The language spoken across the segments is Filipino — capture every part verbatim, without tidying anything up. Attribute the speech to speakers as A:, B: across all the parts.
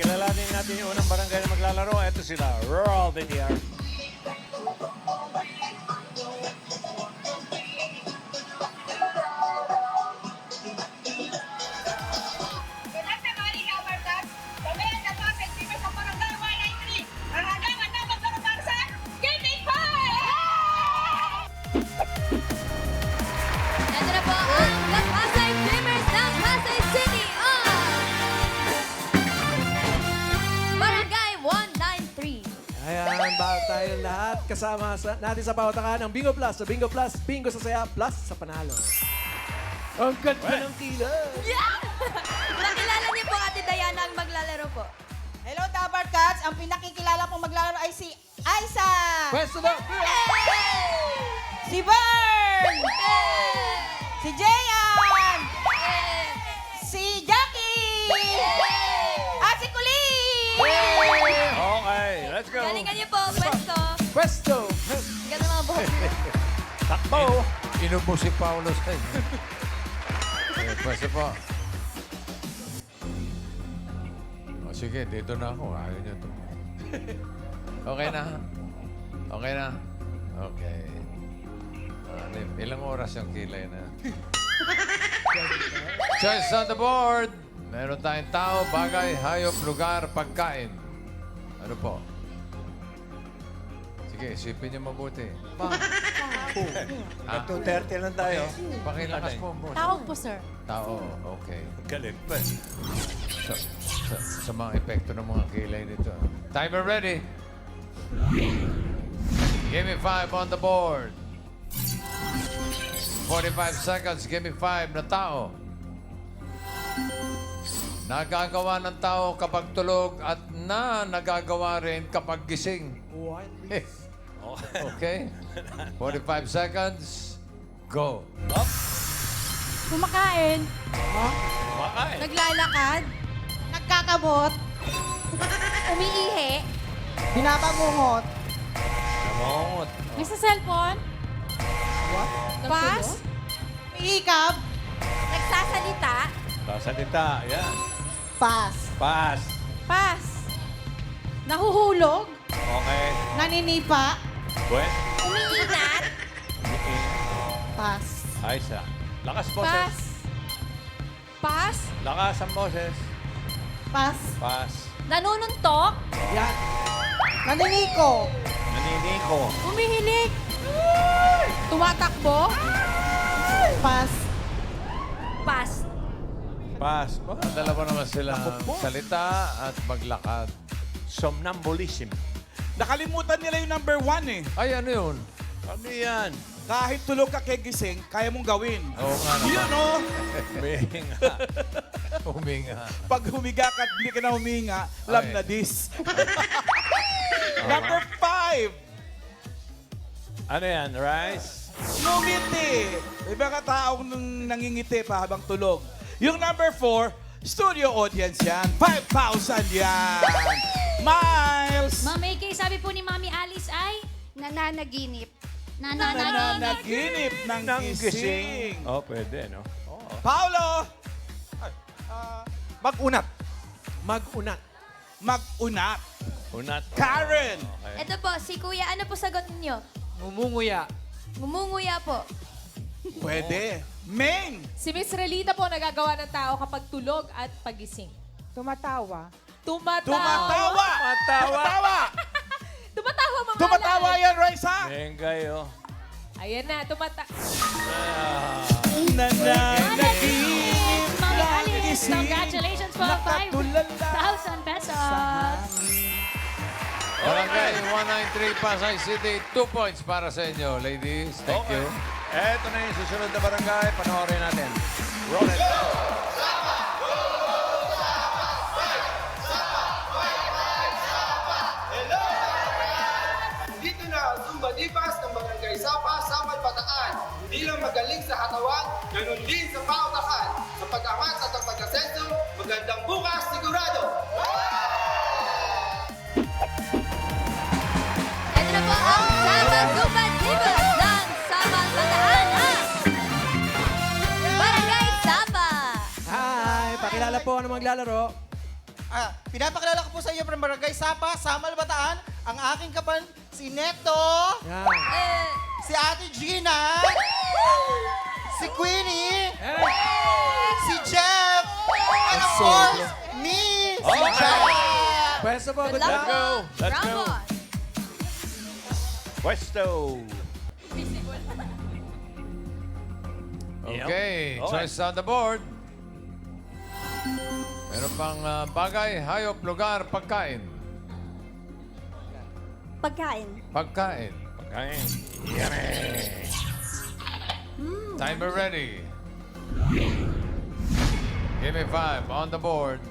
A: kilalanin natin yung unang barangay na maglalaro. Ito sila, Rural V T R.
B: Ito na po ang The Pasay Dreamers ng Pasay City on Barangay one ninety-three.
C: Ayan, bago tayo lahat kasama sa, natin sa pautakan ng Bingo Plus. Sa Bingo Plus, Bingo sa saya, plus sa panalo. Ang ganda ng kilay.
B: Yeah! Nakilala niyo po Ate Diana ang maglalaro po.
D: Hello, Dabar Cats! Ang pinakikilala pong maglalaro ay si Aiza!
C: Pwesto na!
D: Si Vern! Si Jayan! Si Jackie! At si Colleen!
A: Okay, let's go.
B: Galingan niyo po, pwesto.
C: Pwesto!
B: Ganda mga buhok niyo.
A: Takbo.
E: Inubo si Paolo sa inyo. Eh, pwede po. O sige, dito na ako. Ayaw niyo to. Okay na. Okay na. Okay. Ano, ilang oras yung kilay na? Choice on the board. Meron tayong tao, bagay, hayop, lugar, pagkain. Ano po? Sige, isipin niyo mabuti. Pa. Ah,
A: two thirty lang tayo.
E: pakilakas po, boss.
B: Tawag po, sir.
E: Tao, okay.
A: Galit pa.
E: Sa, sa, sa mga epekto ng mga kilay nito. Timer ready. Give me five on the board. forty-five seconds. Give me five na tao. Nagagawa ng tao kapag tulog at na nagagawa rin kapag gising.
C: One.
E: Okay? forty-five seconds. Go.
B: Kumakain.
A: Makain.
B: Naglalakad.
D: Nagkakabot!
B: Umiihi.
D: Binabangungot!
A: Namot.
B: May sa cellphone.
D: What?
B: Pass.
D: Umiikab!
B: Nagsasalita.
A: Kasalita. Yan.
D: Pass!
A: Pass.
B: Pass. Nahuhulog.
A: Okay.
D: Naninipa!
A: Pwede.
B: Umiinat.
D: Pass!
A: Ayos ah. Lakas boses.
B: Pass. Pass.
A: Lakas ang boses.
D: Pass!
A: Pass.
B: Nanununtok.
C: Yan.
D: Naniniko!
A: Naniniko.
B: Umihilig. Tumatakbo.
D: Pass!
B: Pass.
A: Pass.
E: Dalawa naman sila salita at maglakad.
A: Somnambulism.
F: Nakalimutan nila yung number one eh.
E: Ay, ano yun?
A: Ano yan?
F: Kahit tulog ka kay gising, kaya mong gawin.
E: Oo nga naman.
F: Yun oh!
A: Huminga.
E: Huminga.
F: Pag humiga ka at hindi ka na huminga, love
E: Ay.
F: na this. number five,
A: Ano yan, Rice?
F: ngumiti. May mga taong nang nangingiti pa habang tulog. Yung number four, studio audience yan. five thousand yan. Miles!
G: Ma'am A K, sabi po ni Mami Alice ay
B: Nananaginip.
G: nananaginip.
F: Nananaginip ng
A: Nang
F: gising.
A: Oh, pwede, no? Oo.
F: Paulo!
C: Mag-unat. Mag-unat.
F: Mag-unat.
A: Unat.
F: Karen!
A: Okay.
B: Ito po, si Kuya, ano po sagot ninyo?
C: Mumunguya.
B: Mumunguya po.
F: Pwede. Main!
H: Si Miss Relita po nagagawa ng tao kapag tulog at pagising.
D: Tumatawa.
H: Tumatawa.
F: Tumatawa!
A: Matawa.
F: Tumatawa!
H: Tumatawa mga
F: Tumatawa
H: alay.
F: yan, Raisa!
A: Mengay, oh.
H: Ayan na, tumata...
F: Nananaginip
G: Mami
F: ng
G: Alice,
F: gising.
G: congratulations po. five
F: Nakatulala
G: thousand pesos.
E: Barangay one ninety-three Pasay City. Two points para sa inyo, ladies. Thank
A: Okay.
E: you.
A: Eto na yung susunod na barangay. Panoorin natin. Roll it.
I: Dito na ang Zumba Divas ng Barangay Sapa, Samal, Bataan. Hindi lang magaling sa katawan, ganun din sa pautakan. Sa pag-angat at ang pag-asenso, magandang bukas sigurado!
B: Ito na po ang Sama Zumba Divas ng Samang Bataan ang Barangay Sapa.
C: Hi! Pakilala po ano maglalaro.
J: Ah, pinapakilala ko po sa inyo from Barangay Sapa, Samal, Bataan, ang aking kapan, si Neto,
C: Yan.
B: Eh,
J: si Ate Gina, si Queenie, si Jeff, and of course, me, si Jack.
C: Pwesto po,
B: good
C: good
B: luck
C: luck.
B: po.
A: Let's
B: Round
A: go.
B: one.
A: Pwesto.
E: Okay,
A: Yep.
E: choice on the board. Meron pang ah, bagay, hayop, lugar, pagkain.
B: Pagkain.
E: Pagkain.
A: Pagkain.
E: Timer ready. Give me five on the board.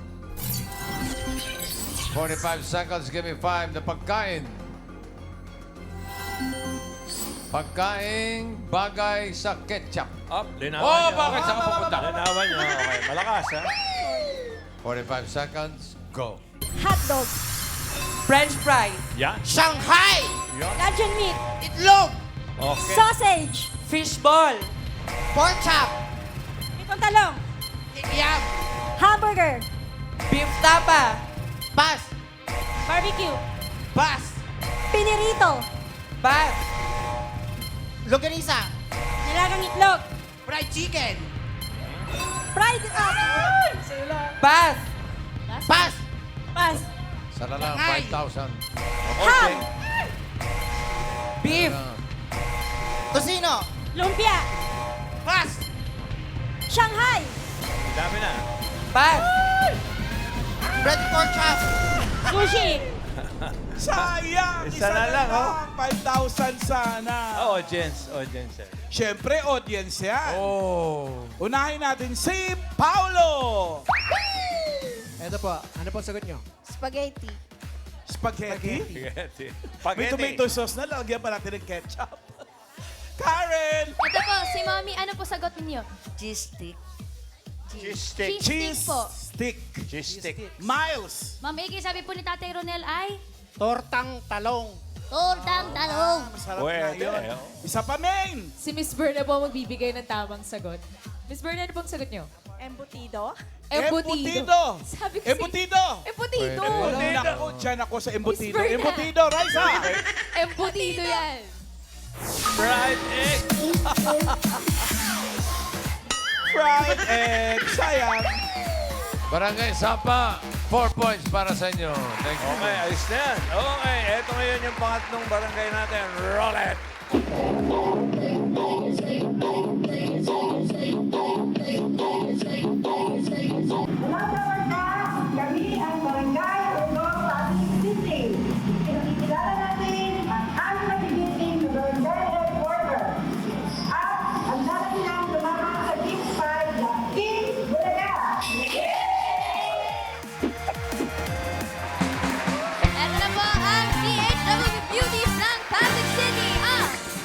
E: forty-five seconds, give me five. The pagkain. Pagkain, bagay sa ketchup.
A: Up, linawan
E: Oh,
A: niya.
E: bakit? Saan ka pupunta?
A: Linawan niya. Okay, malakas ha.
E: forty-five seconds, go.
B: Hotdog.
H: French fries.
A: Yan.
J: Shanghai,
B: Cajun meat.
J: itlog,
A: Okay.
B: Sausage.
H: Fishball.
J: pork chop,
B: Itong talong.
J: yam,
B: Hamburger.
H: Beef tapa.
J: pas,
B: Barbecue.
J: pas,
B: Pinirito.
H: Bath.
J: longganisa,
B: Nilagang itlog.
J: fried chicken,
B: Fried. Uh,
H: Bath.
J: pas,
B: Pas.
E: Sana lang,
J: Ay.
E: five thousand.
B: Ham.
H: Beef.
J: tocino,
B: Lumpia.
J: pas,
B: Shanghai.
A: Dami na.
H: Bath.
J: bread pork chop,
B: Sushi.
F: Sayang!
A: Isa na lang, oh.
F: five thousand sana.
A: Oh, audience. Audience. eh.
F: Siyempre, audience yan.
E: Oh.
F: Unahin natin si Paolo.
C: Ito po, ano po ang sagot nyo?
B: Spaghetti.
F: Spaghetti.
A: Spaghetti.
F: May
A: Spaghetti.
F: tomato sauce na, lagyan pa natin ng ketchup. Karen!
G: Ito po, si Mommy, ano po sagot ninyo?
H: Cheese stick.
A: Cheese stick.
G: Cheese stick po.
F: stick.
A: Cheese stick.
F: Miles.
G: Ma'am Iggy, sabi po ni Tatay Ronel ay...
J: tortang talong,
B: Tortang talong.
F: Masarap na
A: Pwede,
F: yun.
A: oh.
F: Isa pa, main.
H: Si Miss Berna po magbibigay ng tamang sagot. Miss Berna, ano pong sagot nyo?
B: Embutido.
F: Embutido.
H: Sabi ko
F: Embutido.
H: Embutido.
E: Pwede.
F: Oh, nako, dyan ako sa embutido.
H: Whisper na.
F: Embutido, Raisa.
H: Embutido yan.
A: Fried egg.
F: Fried egg. Sayang.
E: Barangay Sapa, four points para sa inyo. Thank you.
A: Okay, ayos na yan. Okay, eto ngayon yung pangatlong barangay natin. Roll it.
K: Kami ang Barangay Ugong Pasig City. Pinakikilala natin ang aming magigiting na barangay headquarter. At ang natin ang tumama sa Gift five na King Bulaga.
B: Ito na po ang D H W Beauties ng Pasig City. Ang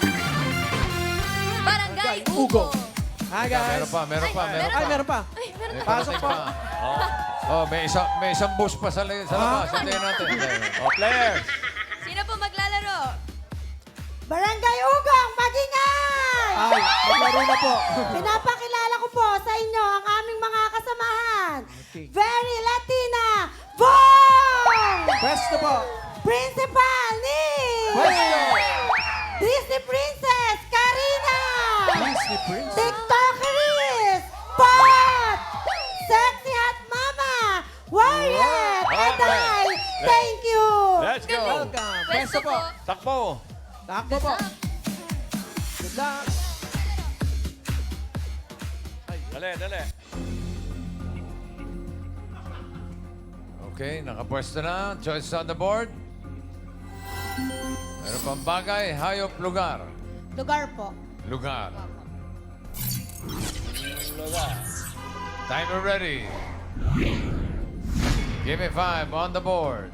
B: Barangay Ugo.
C: Hi guys!
E: Meron pa, meron pa, meron
C: Ay,
E: pa.
C: meron pa.
B: Ay, meron
E: May
B: na.
C: Pasok
E: parating
C: po.
E: pa. Oh, may, isa, may isang bus pa sa, li- sa labas. Hintayin natin.
A: Oh, players.
B: Sino po maglalaro?
K: Barangay Ugong, magingay!
C: Ay, maglaro na po.
K: Pinapakilala ko po sa inyo ang aming mga kasamahan.
C: Okay.
K: Very Latina, Bong!
C: Pwesto po.
K: Principal ni
C: Pwesto.
K: Disney Princess, Karina!
C: Disney Princess.
K: TikTokeries, Pot! Sexy Hot Mama, Warrior, and I, thank you!
A: Let's go.
C: Welcome. Pwesto po.
A: Takbo.
C: Takbo po. Good luck.
A: Dali, dali.
E: Okay, nakapwesto na. Choice on the board. Meron pang bagay, hayop, lugar.
D: Lugar po.
E: Lugar. Timer ready. Give me five on the board.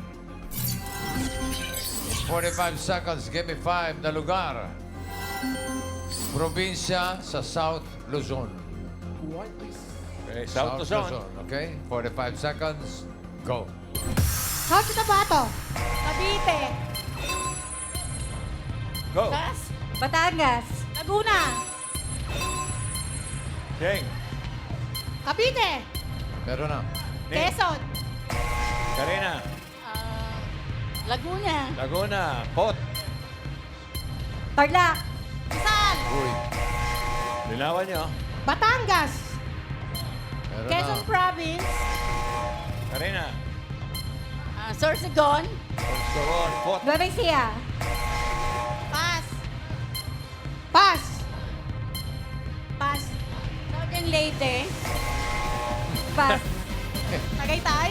E: In forty-five seconds, give me five na lugar. Probinsya sa South Luzon.
C: What is...
A: Okay, South Luzon.
E: Okay, forty-five seconds. Go.
K: House Tabato,
B: Cavite.
A: Go.
B: Batangas. Laguna.
A: King.
K: Cavite,
E: Meron na.
K: Quezon,
A: Karina.
B: Ah, Laguna.
A: Laguna. Pot.
D: Tarlac. Rizal.
E: Uy.
A: Linawan nyo.
D: Batangas.
E: Meron
D: Quezon
E: na.
D: Province.
A: Karina.
B: Ah, Sorsogon.
A: Sorsogon. Pot.
D: Nueva Ecija. Pass. Pass. Pass.
B: Southern Leyte.
D: Pass. Tagaytay.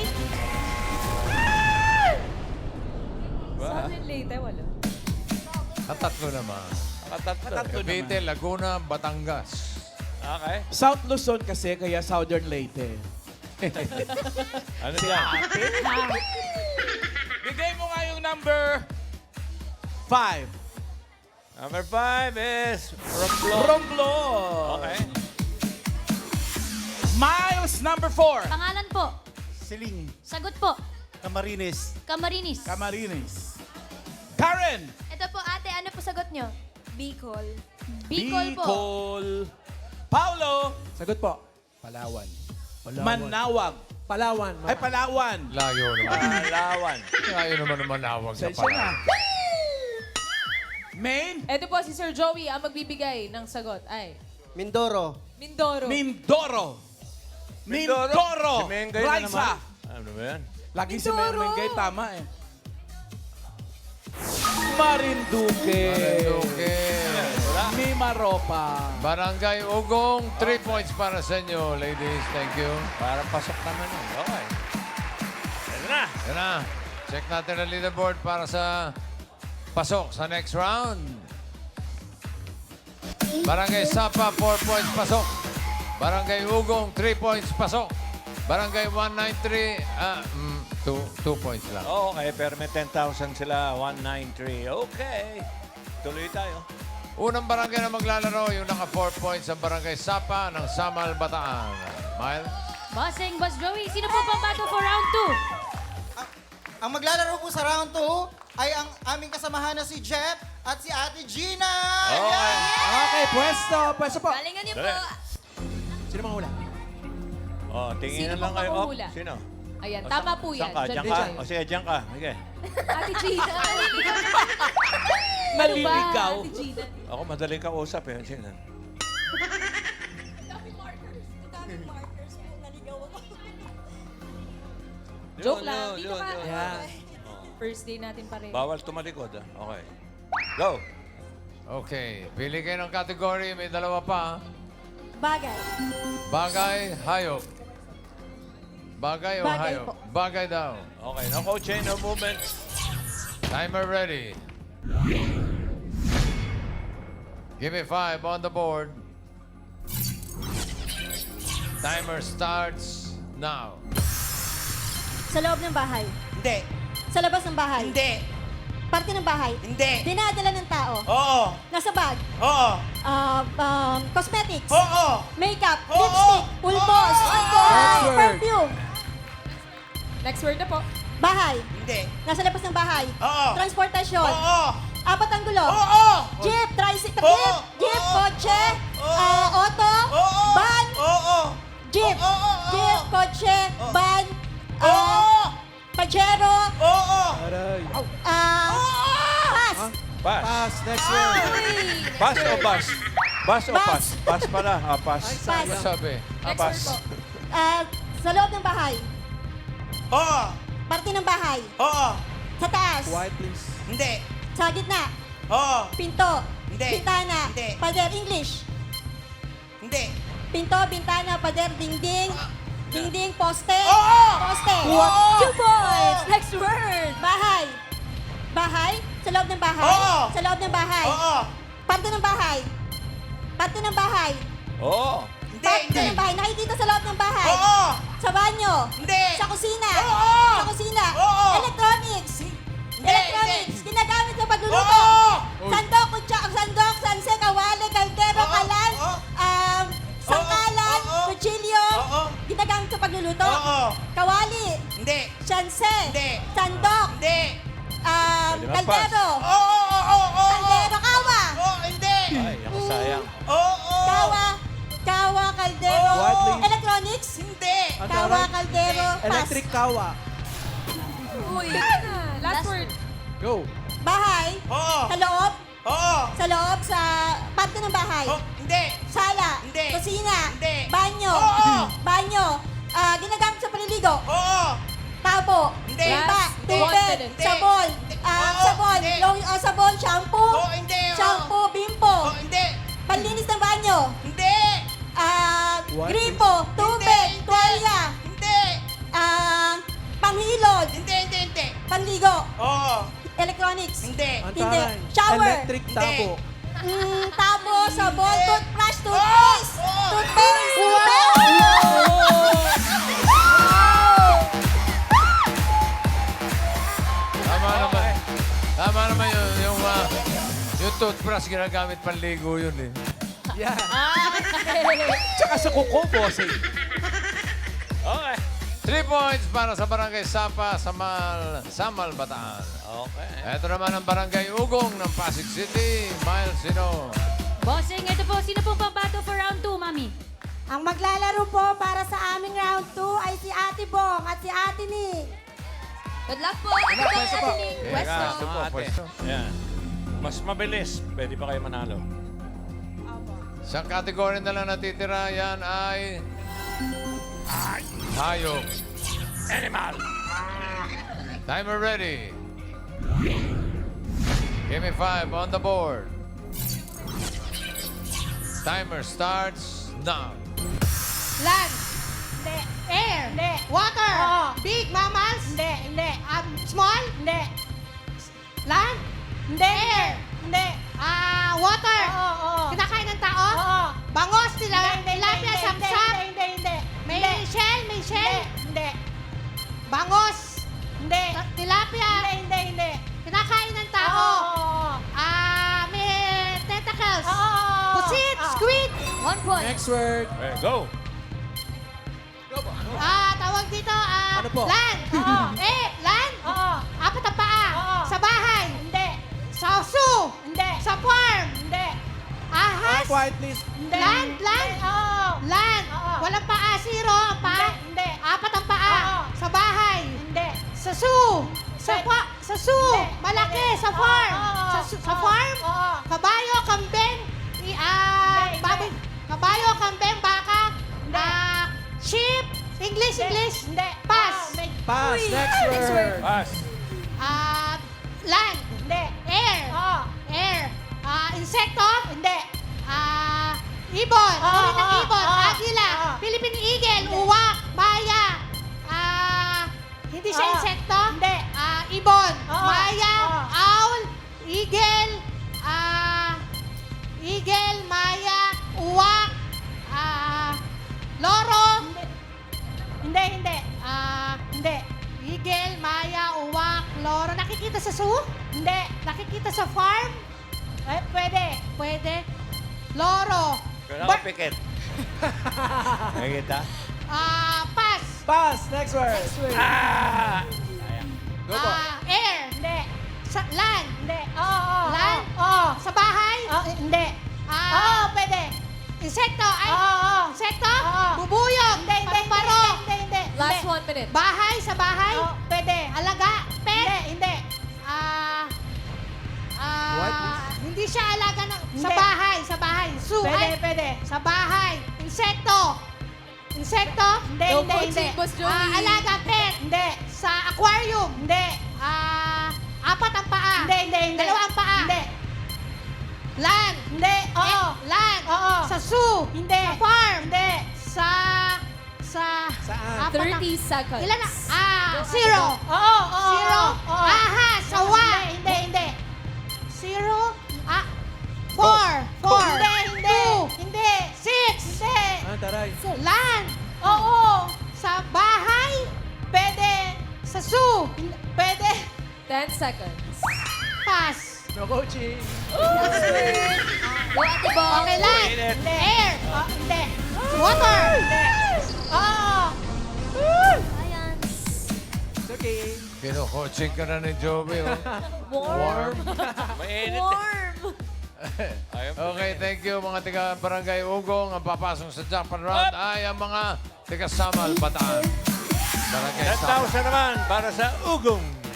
A: Ba?
H: Southern Leyte, wala.
E: Katatlo naman.
A: Katatlo.
F: Katatlo.
E: Cavite, Laguna, Batangas.
A: Okay.
F: South Luzon kasi, kaya Southern Leyte.
A: Ano yan?
F: Bigay mo nga yung number five.
A: Number five is Romblo.
F: Romblo.
A: Okay.
F: Miles, number four.
G: Pangalan po.
J: Siling.
G: Sagot po.
J: Camarines.
G: Camarines.
F: Camarines. Karen.
G: Ito po, ate, ano po sagot nyo?
B: Bicol.
G: Bicol po.
F: Bicol. Paulo.
C: Sagot po. Palawan.
F: Manawag.
C: Palawan.
F: Ay, Palawan.
E: Layo naman.
A: Palawan.
E: Layo naman naman nawag sa
F: Sensya na.
E: parang.
F: Maine.
H: Ito po si Sir Joey ang magbibigay ng sagot. Ay,
J: Mindoro.
H: Mindoro.
F: Mindoro. Mindoro.
A: Si Mengay na
F: Raisa.
A: naman. Ano ba yan?
F: Lagi si Mengay, tama eh. Marinduque.
E: Marinduque.
A: Wala.
F: Mimaropa.
E: Barangay Ugong, three points para sa inyo, ladies. Thank you.
A: Para pasok naman yun. Okay. Ano na?
E: Yan na. Check natin ang leaderboard para sa pasok sa next round. Barangay Sapa, four points pasok. Barangay Ugong, three points pasok. Barangay one ninety-three, ah, mm, two points lang.
A: Oh, okay, pero may ten thousand sila. one ninety-three. Okay. Tuloy tayo.
E: Unang barangay na maglalaro, yung naka four points ang Barangay Sapa ng Samal, Bataan. Miles?
G: Bossing, Boss Joey, sino po pang bato for round two?
J: Ang, ang maglalaro po sa round two ay ang aming kasamahan na si Jeff at si Ate Gina.
A: Okay.
C: Okay, pwesto. Pwesto po.
B: Galingan niyo po.
A: Dali.
C: Sino mga hula?
A: Oh, tingin
H: Sino
A: na lang
H: pong
A: kayo. Oh,
H: mahuhula?
A: sino?
H: Ayan,
A: Oh,
H: tama
A: saan-
H: po
A: Saan
H: yan.
A: ka?
H: Diyan
A: Diyan
H: po
A: ka?
H: kayo.
A: O sige, diyan ka. Sige.
H: Ate Gina.
F: Naliligaw.
H: Ate Gina.
A: Ako madali ka usap eh. Sino?
H: Joke
A: Yun,
H: lang.
A: yun,
H: Dito
A: yun,
H: ka.
A: yun.
C: Yan.
H: First day natin pa rin.
A: Bawal tumalikod ah. Okay. Go!
E: Okay. Pili kayo ng category. May dalawa pa.
B: Bagay.
E: Bagay, hayop. Bagay o
B: Bagay
E: hayop?
B: po.
E: Bagay daw.
A: Okay, no coach, eh, no movement.
E: Timer ready. Give me five on the board. Timer starts now.
B: Sa loob ng bahay.
J: Hindi.
B: Sa labas ng bahay.
J: Hindi.
B: Parte ng bahay.
J: Hindi.
B: Dinadala ng tao.
J: Oo.
B: Nasa bag.
J: Oo.
B: Ah, um, cosmetics.
J: Oo.
B: Makeup.
J: Oo.
B: Lipstick. Pulbos.
C: Next word.
B: Perfume.
H: Next word na po.
B: Bahay.
J: Hindi.
B: Nasa labas ng bahay.
J: Oo.
B: Transportasyon.
J: Oo.
B: Apat ang gulo.
J: Oo.
B: Jeep, tricycle,
J: Oo.
B: jeep, jeep,
J: Oo.
B: kotse,
J: Oo.
B: ah, auto,
J: Oo.
B: van,
J: Oo.
B: jeep,
J: Oo, oo, oo.
B: jeep, kotse,
J: Oo.
B: van,
J: Oo.
B: ah, pajero,
J: Oo.
C: Aray.
B: ah, pass.
A: Pass.
C: Pass. Next word.
A: Pass o pass? Pass o
B: Pass.
A: pass? Pass pala. Ah, pass.
B: Pass.
E: Ano sabi?
A: Ah,
H: Next
A: pass.
H: word po.
B: Ah, sa loob ng bahay,
J: Oo.
B: parte ng bahay,
J: Oo.
B: sa taas,
C: Quiet, please.
J: Hindi.
B: sa gitna,
J: Oo.
B: pinto,
J: Hindi.
B: bintana,
J: Hindi.
B: pader, English,
J: Hindi.
B: pinto, bintana, pader, dingding, dingding, poste,
J: Oo.
B: poste,
J: Oo.
B: two points, next word, bahay, bahay, sa loob ng bahay,
J: Oo.
B: sa loob ng bahay,
J: Oo.
B: parte ng bahay, parte ng bahay,
A: Oo.
J: Hindi.
B: parte
J: Hindi.
B: ng bahay, nakikita sa loob ng bahay,
J: Oo.
B: sa banyo,
J: Hindi.
B: sa kusina,
J: Oo.
B: sa kusina,
J: Oo.
B: electronics,
J: Hindi.
B: electronics,
J: Hindi.
B: ginagamit sa pagluluto,
J: Oo.
B: sandok, kutsa, sandok, sanse, kawali, kaldero,
J: Oo.
B: kalan,
J: Oo.
B: um, sangkalan,
J: Oo.
B: kutsilyo,
J: Oo.
B: ginagamit sa pagluluto,
J: Oo.
B: kawali,
J: Hindi.
B: sanse,
J: Hindi.
B: sandok,
J: Hindi.
B: um,
A: Pwede mag-pass.
B: kaldero,
J: Oo. Oo. Oo. Oo.
B: kaldero, kawa,
J: Oo. Hindi.
A: Ay, ako sayang.
J: Oo.
B: kawa, kawa, kaldero,
C: Quietly.
B: electronics,
J: Hindi.
C: Ang
B: kawa,
C: taray.
B: kaldero, pass.
C: Electric kawa.
B: Uy.
H: Last
B: Last
H: word.
C: Go.
D: Bahay.
F: Oo.
D: Sa loob.
F: Oo.
D: Sa loob, sa parte ng bahay.
F: Oh, hindi.
D: Sala.
F: Hindi.
D: Kusina.
F: Hindi.
D: Banyo.
F: Oo.
D: Banyo. Ah, ginagamit sa paliligo.
F: Oo.
D: Tabo.
F: Hindi.
D: Timba.
H: Last
D: Tubig.
H: one minute.
D: Sabon.
F: Hindi.
D: Ah,
F: Oo.
D: sabon.
F: Hindi.
D: Long, ah, sabon. Shampoo.
F: Oo, hindi. Oo.
D: Shampoo. Bimpo.
F: Oh, hindi.
D: Panlinis ng banyo.
F: Hindi.
D: Ah,
C: What?
D: gripo. Tubig.
F: Hindi.
D: Tuwalya.
F: Hindi.
D: Ah, panghilod.
F: Hindi, hindi, hindi.
D: Panligo.
F: Oo.
D: Electronics.
F: Hindi.
C: Ang
D: Hindi.
C: taray.
D: Shower.
C: Electric tabo.
D: Mm, tabo, sabon,
F: Hindi.
D: toothbrush, toothpaste.
F: Oh! Oh!
D: Toothpaste.
E: Tama naman. Tama naman yun. Yung, ah, yung toothbrush, ginagamit panligo yun eh.
C: Yeah.
F: Tsaka sa kuko, bossing.
A: Okay.
E: Three points para sa Barangay Sapa, Samal, Samal, Bataan.
A: Okay.
E: Ito naman ang Barangay Ugong ng Pasig City. Miles, sino?
G: Bossing, ito po. Sino pong pambato for round two, Mami?
D: Ang maglalaro po para sa aming round two ay si Ate Bong at si Ate Ni.
B: Good luck po.
C: Good luck, pwesto po.
B: Ate Ning.
E: Teka,
B: Pwesto.
E: ito po,
A: Ate.
E: pwesto.
A: Yan. Mas mabilis. Pwede pa kayo manalo.
E: Isang kategory na lang natitira. Yan ay... Hayop.
A: Animal.
E: Timer ready. Give me five on the board. Timer starts now.
D: Land. Hindi. Air. Hindi. Water. Big mammals. Hindi. Hindi. Um, small. Hindi. Land. Hindi. Air. Hindi. Ah, water. Oo, oo. Kinakain ng tao? Oo. Bangos sila. Tilapia, samsam. Hindi, hindi, hindi. May shell, may shell. Hindi. Bangos. Hindi. Tilapia. Hindi, hindi, hindi. Kinakain ng tao. Oo. Ah, may tentacles. Oo. Pusit, squid.
B: One point.
C: Next word.
A: Okay, go.
D: Ah, tawag dito, ah,
C: Ano po?
D: land. Oo. Eh, land? Oo. Apat ang paa. Oo. Sa bahay? Hindi. Sa zoo? Hindi. Sa farm? Hindi. Ahas?
C: Quiet, please.
D: Hindi. Land, land? Oo. Land. Oo. Walang paa, zero ang paa? Hindi. Apat ang paa. Oo. Sa bahay? Hindi. Sa zoo? Sa, fa- sa zoo? Malaki, sa farm? Sa, su- sa farm? Oo. Kabayo, kambing? I, ah, baboy. Kabayo, kambing, baka? Ah, sheep? English, English? Hindi. Pass.
C: Pass. Next word.
A: Pass.
D: Ah, land? Hindi. Air? Oo. Air. Ah, insekto? Hindi. Ah, ibon? Uri ng ibon? Agila? Philippine eagle? Uwak? Maya? Ah, hindi siya insekto? Hindi. Ah, ibon? Maya? Owl? Eagle? Ah, eagle? Maya? Uwak? Ah, loro? Hindi. Hindi, hindi. Ah, hindi. Eagle, maya, uwak, loro. Nakikita sa zoo? Hindi. Nakikita sa farm? Eh, pwede. Pwede. Loro.
A: Kailangan
D: Bar-
A: pikit. Nakikita?
D: Ah, pass.
C: Pass. Next word.
A: Ah!
C: Go po.
D: Ah, air. Hindi. Sa land. Hindi. Oo, oo. Land? Oo. Sa bahay? Oo, hindi. Ah, oo, pwede. Insekto? Ay, oo, oo. Insekto? Oo. Bubuyog? Hindi, hindi, Paru-paro? Hindi, hindi.
H: Last one minute.
D: Bahay? Sa bahay? Oo, pwede. Alaga? Pet? Hindi, hindi. Ah, ah,
C: What?
D: hindi siya alaga ng, sa bahay, sa bahay. Zoo? Pwede, pwede. Sa bahay. Insekto? Insekto? Hindi,
H: No
D: hindi,
H: coaching,
D: hindi.
H: Boss Joey.
D: Ah, alaga, pet? Hindi. Sa aquarium? Hindi. Ah, apat ang paa? Hindi, hindi, hindi. Dalawa ang paa? Hindi. Land? Hindi. Oo. land? Oo. Sa zoo? Hindi. Sa farm? Hindi. Sa, sa,
C: Saan?
D: apat ang-
H: thirty seconds.
D: Ilan na? Ah, zero. Oo, oo. Zero. Ahas, sawa. Hindi, hindi. Zero. Ah, four. Four. Hindi, hindi. Two. Hindi. Six. Hindi.
C: Ano, taray?
D: Land. Oo. Sa bahay. Pwede. Sa zoo. Hindi. Pwede.
H: ten seconds.
D: Pass.
C: No coaching.
B: Go, Ate Bong.
D: Okay, land.
A: Init.
D: Hindi. Air. Oh, hindi. Water. Hindi. Oo.
B: Science.
C: It's okay.
E: Kino-coaching ka na ni Joey. Oh.
H: Warm.
A: Mainit. eh.
H: Warm.
A: Ayaw po
E: Okay, thank you mga taga Barangay Ugong. Ang papasok sa jackpot round ay ang mga taga Samal, Bataan. Barangay
A: ten
E: Samal.
A: thousand naman para sa Ugong.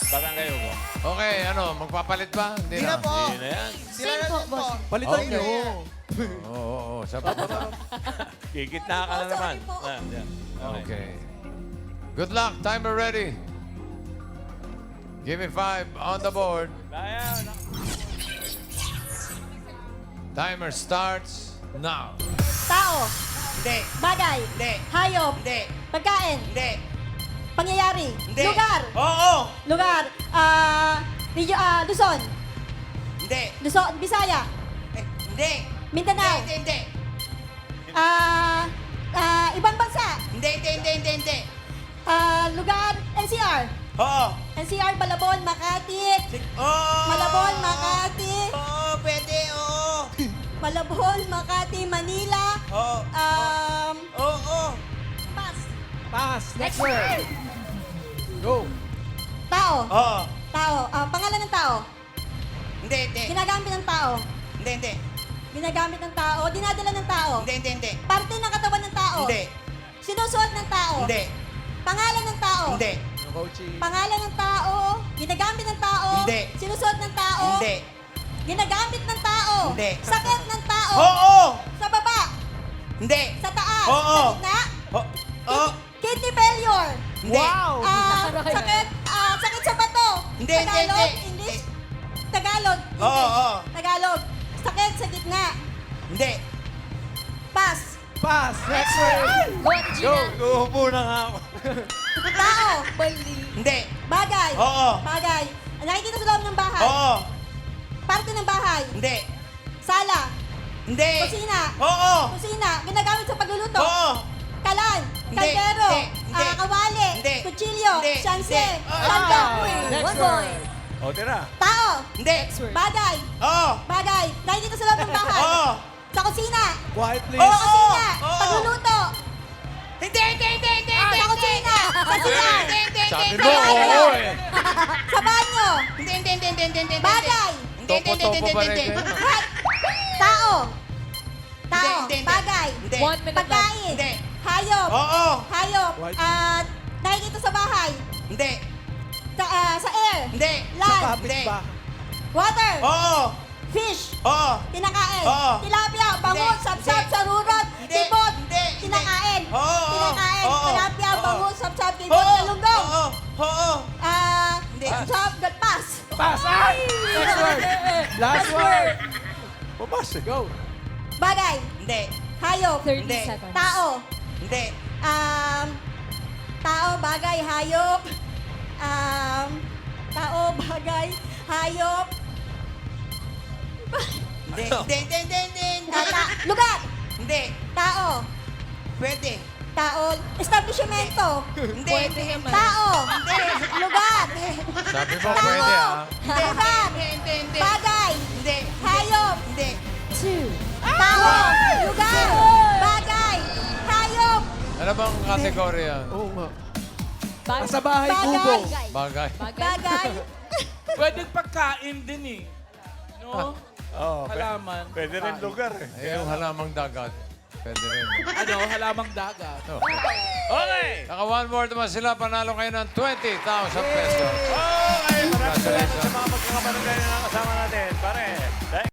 A: Barangay Ugong.
E: Okay, ano, magpapalit ba? Hindi
J: Hindi na po.
A: Hindi na yan.
J: Sila na din po.
C: Palitan
E: Okay.
C: nyo.
E: Oo, oo, oo. Sabi ko.
A: Kikita ka na
B: Oh,
A: naman.
B: sorry po.
A: Ah, yan. Okay.
E: Okay. Good luck. Timer ready. Give me five on the board.
A: Kaya,
E: Timer starts now.
D: Tao.
J: Hindi.
D: Bagay.
J: Hindi.
D: Hayop.
J: Hindi.
D: Pagkain.
J: Hindi.
D: Pangyayari.
J: Hindi.
D: Lugar.
J: Oo.
D: Lugar. Ah, Regio, ah, Luzon.
J: Hindi.
D: Luzon, Bisaya.
J: Eh, Hindi.
D: Mindanao.
J: Hindi, hindi,
D: Ah, ah, ibang bansa.
J: hindi. Hindi, hindi, hindi, hindi.
D: Ah, lugar, N C R.
J: Oo.
D: N C R, Malabon, Makati.
J: Oo.
D: Malabon, Makati.
J: Oo, pwede, oo.
D: Malabon, Makati, Manila.
J: Oo.
D: Um,
J: Oo.
D: pass.
C: Pass. Next word. Go.
D: Tao.
J: Oo.
D: Tao. Ah, pangalan ng tao.
J: Hindi, hindi.
D: Ginagamit ng tao.
J: Hindi, hindi.
D: Ginagamit ng tao. Dinadala ng tao.
J: Hindi, hindi, hindi.
D: Parte ng katawan ng tao.
J: Hindi.
D: Sinusuot ng tao.
J: Hindi.
D: Pangalan ng tao.
J: Hindi.
C: No coaching.
D: Pangalan ng tao. Ginagamit ng tao.
J: Hindi.
D: Sinusuot ng tao.
J: Hindi.
D: Ginagamit ng tao.
J: Hindi.
D: Sakit ng tao.
J: Oo.
D: Sa baba.
J: Hindi.
D: Sa taas.
J: Oo.
D: Sa gitna.
J: Oo. Oo.
D: Kidney failure.
J: Hindi.
C: Wow!
D: Ah, sakit, ah, sakit sa bato.
J: Hindi, hindi,
D: Tagalog,
J: hindi.
D: English. Tagalog, English.
J: Oo, oo.
D: Tagalog. Sakit sa gitna.
J: Hindi.
D: Pass.
C: Pass. Next word.
B: Go, Ate
C: Go.
B: Gina.
A: Uupo na nga ako.
D: Tao.
J: Hindi.
D: Bagay.
J: Oo.
D: Bagay. Nakikita sa loob ng bahay.
J: Oo.
D: Parte ng bahay.
J: Hindi.
D: Sala.
J: Hindi.
D: Kusina.
J: Oo.
D: Kusina. Ginagamit sa pagluluto.
J: Oo.
D: Kalan.
J: Hindi.
D: Kaldero.
J: Hindi. Hindi.
D: ah, kawali.
J: Hindi.
D: Kutsilyo.
J: Hindi.
D: Syanse.
J: Hindi. Ah.
D: Sandok.
C: Next
B: One
C: word.
B: point.
A: O, tira.
D: Tao.
J: Hindi.
D: Bagay.
J: Oo.
D: Bagay. Nakikita sa loob ng bahay.
J: Oo.
D: Sa kusina.
C: Quiet, please.
J: Oo.
D: Sa kusina.
J: Oo.
D: Pagluluto.
J: Hindi, hindi, hindi, hindi,
D: Ah,
J: hindi.
D: sa kusina. Sa
J: Hindi,
D: siyan.
J: hindi, hindi,
E: Sabi
J: hindi.
E: mo, oo eh.
D: Sa banyo.
J: Hindi, hindi, hindi, hindi, hindi, hindi.
D: Bagay.
J: Hindi, hindi, hindi,
E: Topo-topo
J: hindi,
E: pa
J: hindi,
E: rin
J: hindi.
E: kayo.
D: Hat. Tao. Tao.
J: Hindi, hindi, hindi.
D: Bagay.
J: Hindi.
B: One minute left.
D: Pagkain.
J: Hindi.
D: Hayop.
J: Oo.
D: Hayop.
C: White.
D: At nakikita sa bahay.
J: Hindi.
D: Sa, ah, sa air.
J: Hindi.
C: Sa
D: Land.
C: kapit
J: Hindi.
C: ba?
D: Water.
J: Oo.
D: Fish.
J: Oo.
D: Kinakain.
J: Oo.
D: Tilapia. Bangus.
J: Hindi.
D: Sapsap.
J: Hindi.
D: Sarurot.
J: Hindi.
D: Tibot.
J: Hindi.
D: Kinakain.
J: Oo.
D: Kinakain.
J: Oo.
D: Tilapia.
J: Oo.
D: Bangus. Sapsap. Tibot.
J: Oo.
D: Galunggong.
J: Oo. Oo.
D: Ah,
J: Hindi.
D: Chop. Pass.
C: Pass. Ay! Next word. Last word.
A: Pabas eh.
C: Go.
D: Bagay.
J: Hindi.
D: Hayop.
B: thirty
J: Hindi.
B: seconds.
D: Tao.
J: Hindi.
D: Um, tao, bagay, hayop. Um, tao, bagay, hayop.
J: Hindi. Hindi, hindi, hindi, hindi, hindi.
D: Ah, ta- lugar.
J: Hindi.
D: Tao.
J: Pwede.
D: Tao. Establishmento.
J: Hindi. Hindi.
D: Tao. Lugar.
E: Sabi mo,
D: Tao.
E: pwede ah.
D: Lugar.
J: Hindi, hindi, hindi.
D: Bagay.
J: Hindi.
D: Hayop.
J: Hindi.
B: Two.
D: Tao. Lugar. Bagay. Hayop.
E: Ano bang kategory yan?
C: Oo nga.
B: Bag-
C: Sa bahay,
D: Bagay.
C: Google.
E: Bagay.
B: Bagay.
D: Bagay.
F: Pwede pagkain din eh. No?
A: Oo, pwede,
F: Halaman.
A: pwede rin lugar eh.
E: Eh, yung halamang dagat. Pwede rin.
F: Ano? Halamang dagat.
A: Okay!
E: Naka one more naman sila. Panalo kayo ng twenty thousand pesos.
A: Okay! Maraming salamat
E: Congratulations.
A: sa mga magkakabarangay na nakasama natin. Pare, dahil